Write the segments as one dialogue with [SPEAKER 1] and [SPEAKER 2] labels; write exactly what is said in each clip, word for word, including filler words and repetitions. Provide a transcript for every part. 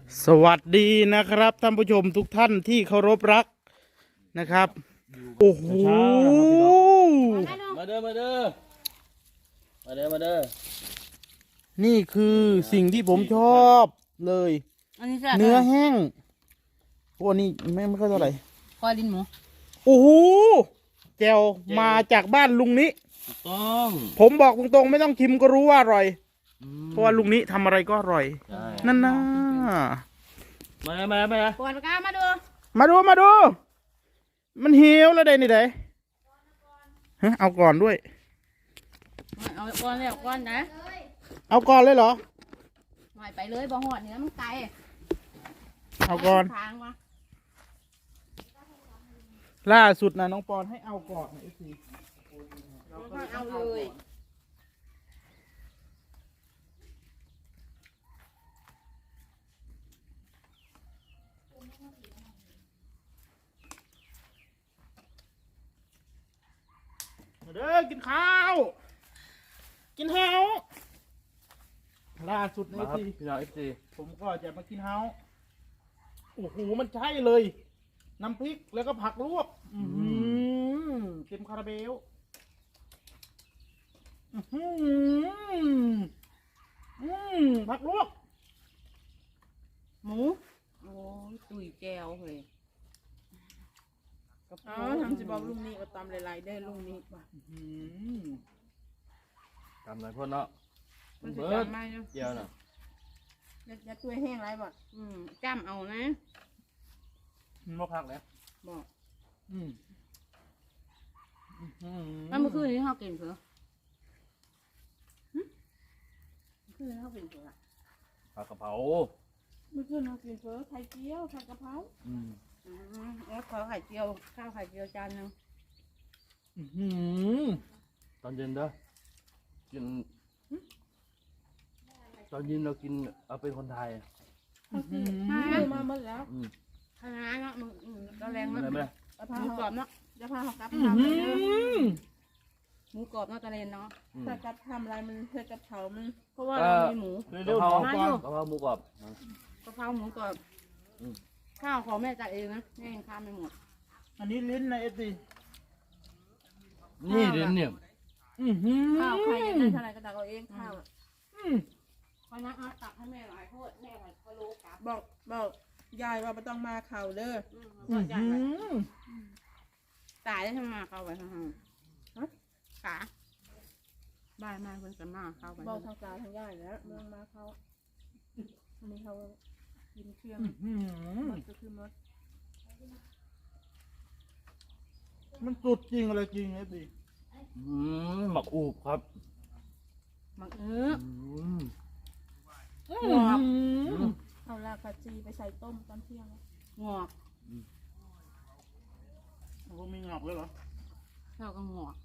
[SPEAKER 1] สวัสดีนะครับท่านผู้ชมทุกท่านที่เคารพรักนะครับโอ้โห
[SPEAKER 2] มาเด้อมาเด้อมาเด้อมาเด้อ
[SPEAKER 1] นี่คือสิ่งที่ผมชอบเลยเนื้อแห้งพวกนี้ไม่ไม่ค่อยเท่าไหร่
[SPEAKER 3] คอลิ้นหมู
[SPEAKER 1] โอ้โหแจวมาจากบ้านลุงนี้
[SPEAKER 2] ถูกต้อง
[SPEAKER 1] ผมบอกตรงๆไม่ต้องชิมก็รู้ว่าอร่อยเพราะว่าลุงนี้ทำอะไรก็อร่อยนั่นนะ
[SPEAKER 2] มาเลยมาเลยมาเลย
[SPEAKER 3] ปวดปากกามาดู
[SPEAKER 1] มาดูมาดูมันเหี่ยวแล้วได้นี่ไดฮะเอาก่อนด้วย
[SPEAKER 3] เอาก่อนเลยเอาก่อนนะ
[SPEAKER 1] เอาก่อนเลยเหรอ
[SPEAKER 3] หน่อยไปเลยบ่หอดเนื้อมันไกล
[SPEAKER 1] เอาก่อนล่าสุดนะน้องปอนให้เอาก่อนไอ้สิ
[SPEAKER 3] เอาเลย
[SPEAKER 1] มาเด้อกินข้าวกินเฮาล่าสุดในที
[SPEAKER 2] พี่น้องเอฟซี
[SPEAKER 1] ผมก็จะมากินเฮาโอ้โหมันใช่เลย น้ำพริกแล้วก็ผักลวกอืมเต็มคาราเบลอืมอืมผักลวก
[SPEAKER 3] หมูโอ้ยตุ๋ยแก้วเลย
[SPEAKER 4] อ๋อทำสิบอกลุงนี้ก็ตำหลายๆได้ลุงนี้ป่ะ
[SPEAKER 2] ทำอะไรพ่อเนาะ
[SPEAKER 4] มันจะจำไม่เนาะ
[SPEAKER 2] เจียวน่ะ
[SPEAKER 4] จะตัวแห้งไรบ่
[SPEAKER 3] อืมจ้ำเอานะ
[SPEAKER 1] มันบ่พักแล้ว
[SPEAKER 3] บอก
[SPEAKER 1] อืม
[SPEAKER 3] แล้วเมื่อคืนนี้เขากินเผือเมื่อคืนเขากินเผือ
[SPEAKER 2] ผักกะเพรา
[SPEAKER 4] เมื่อคืนเขากินเผือไข่เจียวผักกะเพรา
[SPEAKER 3] อืมแล้วขอไข่เจียวข้าวไข่เจียวจานนึง
[SPEAKER 2] ตอนเย็นเด้อกินตอนเย็นเรากินเอาเป็นคนไทย
[SPEAKER 4] มาหมดแล้ว
[SPEAKER 3] คณะเนาะมึงก็แรงเนาะหมูกรอบเนาะ
[SPEAKER 4] จะพาเขากลับ
[SPEAKER 3] ทำหมูกรอบเนาะตะเลนเนาะ
[SPEAKER 4] ถ้ากลับทำอะไรมันเพื่อกับเขามัน
[SPEAKER 3] เพราะว่าเรามีหมู
[SPEAKER 2] กะเพรากะเพราหมูกรอบ
[SPEAKER 3] กะเพราหมูกรอบข้าวของแม่จัดเองนะแม่ยังข้ามไม่หมด
[SPEAKER 1] อันนี้ลิ้นนะเอฟซี
[SPEAKER 2] นี่ลิ้นเนี่ย
[SPEAKER 4] ข้าวใครยังได้เท่าไรก็ตักเอาเองข้าว
[SPEAKER 3] พอนักตักให้แม่หลายโทษแม่หลายพะโล้กลับ
[SPEAKER 4] บอกบอกยายว่าไม่ต้องมาเข่าเด้อ
[SPEAKER 3] ตายได้ทำมาเข้าไปทางห้องขาบ้านมาเพิ่งจะมาเข้าไป
[SPEAKER 4] บอกทางตาทางยายแล้วเมืองมาเขาอันนี้เขากินเครื่องมันก็คือมด
[SPEAKER 1] มันสุดจริงอะไรจริงไอ้ดิ
[SPEAKER 2] หมักอูบครับ
[SPEAKER 3] หมักเอื้อ
[SPEAKER 4] หงอกเอาลากกะจีไปใส่ต้มตอนเที่ยง
[SPEAKER 3] งอก
[SPEAKER 1] มันก็มีงอกเลยเหรอ
[SPEAKER 3] เท่ากับงอก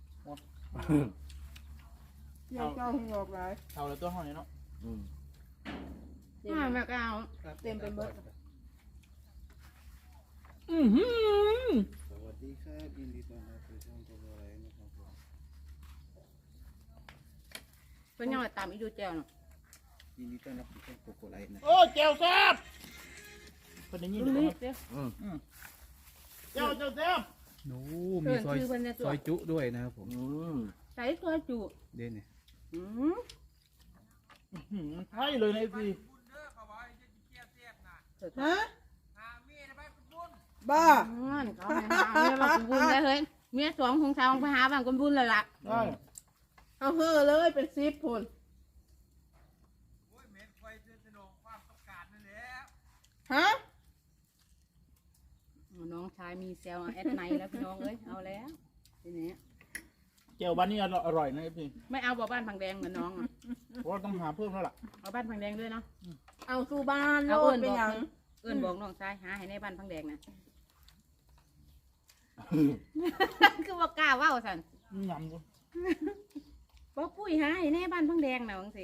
[SPEAKER 4] เที่ยวเจ้าหงอกไร
[SPEAKER 1] เท่าเลยตัวห้องนี้เนาะ
[SPEAKER 3] ห้าแม่ก็เอา
[SPEAKER 4] เต็มไปหมด
[SPEAKER 1] อือหือ
[SPEAKER 5] สวัสดีครับยินดีต้อนรับสู่ช่องตัวอะไรนะครับผม
[SPEAKER 3] เป็นยังไงตามอีดูแจวเนาะ
[SPEAKER 5] ยินดีต้อนรับสู่ช่องโกโก้ไลท์นะ
[SPEAKER 1] โอ้แจวแซ่บเป็นอย่างนี้เลยเจ้าเจ้าเจ้าแซ่บ
[SPEAKER 5] โน้มีซอยซอยจุด้วยนะครับผม
[SPEAKER 3] ใส่ซอยจุ
[SPEAKER 5] เด่นเนี่ย
[SPEAKER 1] มันใช่เลยนะพี่
[SPEAKER 4] ฮะบ้า
[SPEAKER 3] เขาให้หาเมียมากุบุญได้เฮ้ยเมียสองของชาวไปหาบางกุบุญเลยล่ะ
[SPEAKER 4] เอาเฮ่อเลยเป็นซิปพุ่นฮะ
[SPEAKER 3] น้องชายมีเซลล์แอดไนแล้วพี่น้องเอ้ยเอาแล้วทีนี้
[SPEAKER 1] เจียวบ้านนี้อร่อยนะพี่
[SPEAKER 3] ไม่เอาบ่บ้านพังแดงเหมือนน้องอ่ะ
[SPEAKER 1] เพราะต้องหาเพิ่มแล้วล่ะ
[SPEAKER 3] เอาบ้านพังแดงด้วยเนาะ
[SPEAKER 4] เอาสู่บ้านเอาเอิญไปยัง
[SPEAKER 3] เอิญบอกน้องชายหาให้ในบ้านพังแดงนะคือว่ากล้าว่าสัน
[SPEAKER 1] ยำดู
[SPEAKER 3] บ่ปุ้ยหาให้ในบ้านพังแดงนะวังสิ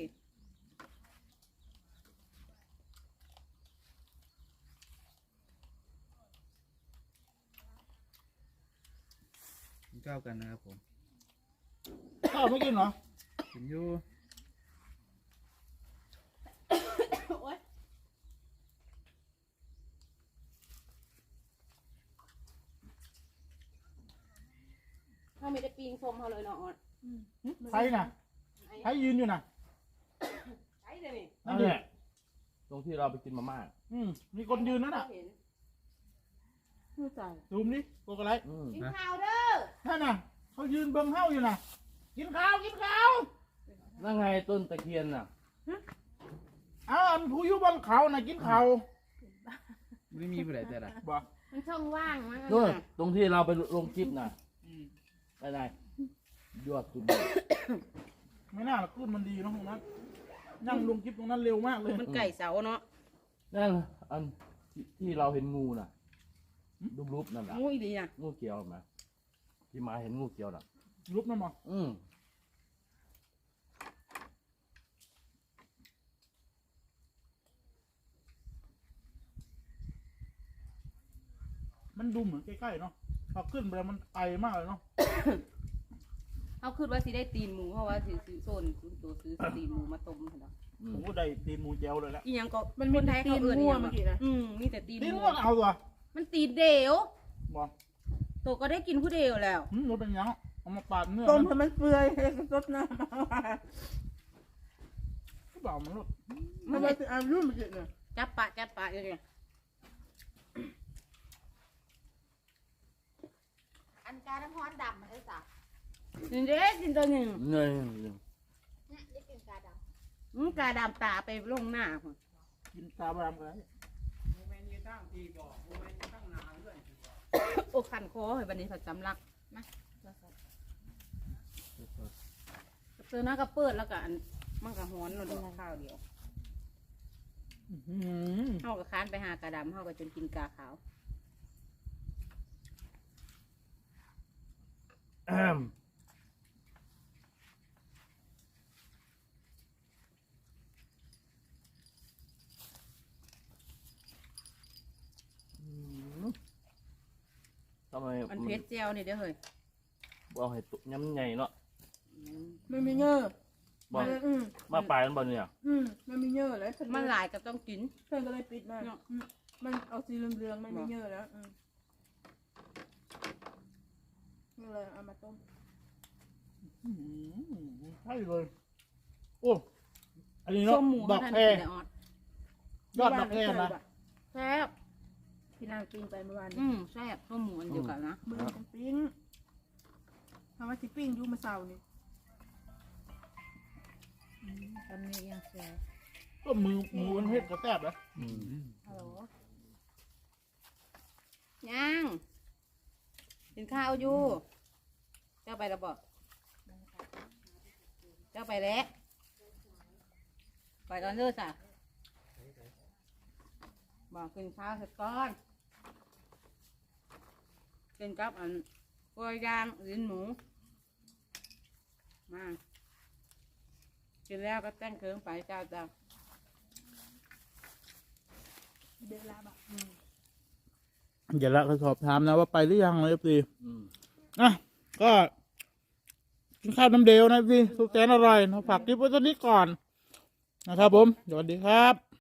[SPEAKER 5] ข้าวกันนะครับผม
[SPEAKER 1] ข้าวไม่กินเหรอ
[SPEAKER 5] กินอยู่
[SPEAKER 3] ไม่ได้ปีงส้มเขาเลยเนาะออด
[SPEAKER 1] ใครน่ะใครยืนอยู่น่ะ
[SPEAKER 3] ใช่เลยนี่
[SPEAKER 1] นั่
[SPEAKER 2] นั่
[SPEAKER 1] น
[SPEAKER 2] น
[SPEAKER 1] ดิ
[SPEAKER 2] แหละตรงที่เราไปกินมาม่า
[SPEAKER 1] อืมมีคนยืนนั่นน่ะ
[SPEAKER 3] เห็น
[SPEAKER 4] ไม่ใจ
[SPEAKER 1] ซูมดิโกกอะไร
[SPEAKER 2] อืม
[SPEAKER 3] กินข้าวเด้อ
[SPEAKER 1] นั่นน่ะเขายืนเบิ่งเฮาอยู่น่ะ กินข้าวกินข้าว
[SPEAKER 2] นั่นไงต้นตะเคียนน่ะ
[SPEAKER 1] เอาอันผู้อยู่บนเขาน่ะกินข้าว
[SPEAKER 5] ไม่มีอะไรแต่ละ
[SPEAKER 1] บ่
[SPEAKER 3] มันช่องว่างมั้ง
[SPEAKER 2] นู่นตรงที่เราไปลงคลิปน่ะ
[SPEAKER 1] อืม
[SPEAKER 2] ได้ไงยอดสุด
[SPEAKER 1] ไม่น่าหรอกขึ้นมันดีเนาะตรงนั้นนั่งลงคลิปตรงนั้นเร็วมากเลย
[SPEAKER 3] มันไก่เสาเนาะ
[SPEAKER 2] นั่นอันที่ที่เราเห็นงูน่ะรูปๆนั่นแหละ
[SPEAKER 3] งูอีดีน่ะ
[SPEAKER 2] งูเขียวไหมที่มาเห็นงูเขียวน่ะ
[SPEAKER 1] รูปนั่นมั้ง
[SPEAKER 2] อืม
[SPEAKER 1] มันดูเหมือนใกล้ๆเนาะพอขึ้นไปแล้วมันไกลมากเลยเนาะ
[SPEAKER 3] เขาคิดว่าสิได้ตีนหมูเพราะว่าสิซื้อโซนซื้อตัวซื้อตีนหมูมาต้มเถอะ
[SPEAKER 2] อืม
[SPEAKER 1] โอ้ได้ตีนหมูแจวเลยแล้ว
[SPEAKER 3] อีหยังก็
[SPEAKER 4] มันมี
[SPEAKER 3] คนไทย
[SPEAKER 4] ตี
[SPEAKER 3] เขา
[SPEAKER 4] น
[SPEAKER 3] เอื้อน
[SPEAKER 4] มั่ว
[SPEAKER 3] อีหยัง
[SPEAKER 4] เมื่อกี้นะ
[SPEAKER 3] อืมมีแต่ตีน
[SPEAKER 1] ตีน
[SPEAKER 3] หมู
[SPEAKER 1] ก็เอาตัว
[SPEAKER 3] มันตีนเดียว
[SPEAKER 1] บ่
[SPEAKER 3] ตัวก็ได้กินผู้เดียวแล้ว
[SPEAKER 1] หืมรถเป็นยังเอามาปาดเนื้อ
[SPEAKER 4] ต้ม
[SPEAKER 1] มัน
[SPEAKER 4] ให้มันเปื่อยให้รสน้ำมา
[SPEAKER 1] ก็เปล่ามันรถ
[SPEAKER 4] มันมาเอารุ่นเมื่อกี้เนี่ย
[SPEAKER 3] จับปะจับปะอย่างเงี้ย
[SPEAKER 6] อันการน้ำร้อนดำมันได้สัก
[SPEAKER 3] นี่เด้กินตัวหนึ่ง
[SPEAKER 2] เนย
[SPEAKER 6] เนี่ยได้กินกาด
[SPEAKER 3] อืมกาดำตาไปลงหน้าพุ่น
[SPEAKER 1] กินตาบรามกัน
[SPEAKER 3] โอ้ขันคอเฮ้ยบันนี้ผัดสำลักมาเจอหน้าก็เปิดแล้วก็อันมันก็ฮ้อนเราดูข้าวเดียว
[SPEAKER 1] อื้อหือ
[SPEAKER 3] เฮาก็ค้านไปหากาดำเฮาก็จนกินกาขาว
[SPEAKER 2] แอมอืมทำไม
[SPEAKER 3] มันเพชรเจียวนี่เด้อเฮ้ย
[SPEAKER 2] บอกให้ตุย้ำใหญ่เนาะ
[SPEAKER 3] อืม
[SPEAKER 4] มันมีเงื่อ
[SPEAKER 2] บอก
[SPEAKER 4] มันอืม
[SPEAKER 2] มาปลายมันบอลเนี่ย
[SPEAKER 4] อืมมันมีเงื่อแล้วฉัน
[SPEAKER 3] มันหลายก็ต้องกิน
[SPEAKER 4] เพื่อนก็เลยปิดมาอืมมันเอาสีเหลืองๆมันมีเงื่อแล้วอืมก็เลยเอามาต้ม
[SPEAKER 1] อื้อหือใช่เลยโอ้อันนี้เนาะ
[SPEAKER 3] ส้มหมู
[SPEAKER 1] ด
[SPEAKER 3] เขา
[SPEAKER 1] อก
[SPEAKER 3] ทาน
[SPEAKER 1] แคร
[SPEAKER 3] กินได้ออด
[SPEAKER 1] ยอดดอกแครนะ
[SPEAKER 3] แซ่บ
[SPEAKER 4] ที่นางปิ้งไปเมื่อวาน
[SPEAKER 3] อืมแซ่บส้มหมูอันเดียวกันนะ
[SPEAKER 4] มือกันปิ้งทำว่าสิปิ้งอยูมาเสานี่
[SPEAKER 3] ตอนนี้ยังแซ่บ
[SPEAKER 1] ก็มือมือมันเฮ็ดกระแทบนะ
[SPEAKER 2] อืม
[SPEAKER 4] ฮัลโหล
[SPEAKER 3] ย่างกินข้าวอยู่เจ้าไปแล้วบอกเจ้าไปแล้วไปตอนเลิกจ้ะบอกกินข้าวเสร็จก่อนกินกับอันกล้วยย่างลิ้นหมูมากินแล้วก็แต่งเครื่องไปเจ้าจ้า
[SPEAKER 4] เดือดลาบอ่ะ
[SPEAKER 1] อย่าละเขาสอบถามนะว่าไปหรือยังเลยพี่
[SPEAKER 2] อืม
[SPEAKER 1] อ่ะก็กินข้าวน้ำเดยวนะพี่สุดแสนอร่อยนะฝากคลิปไว้ตอนนี้ก่อนนะครับผมสวัสดีครับ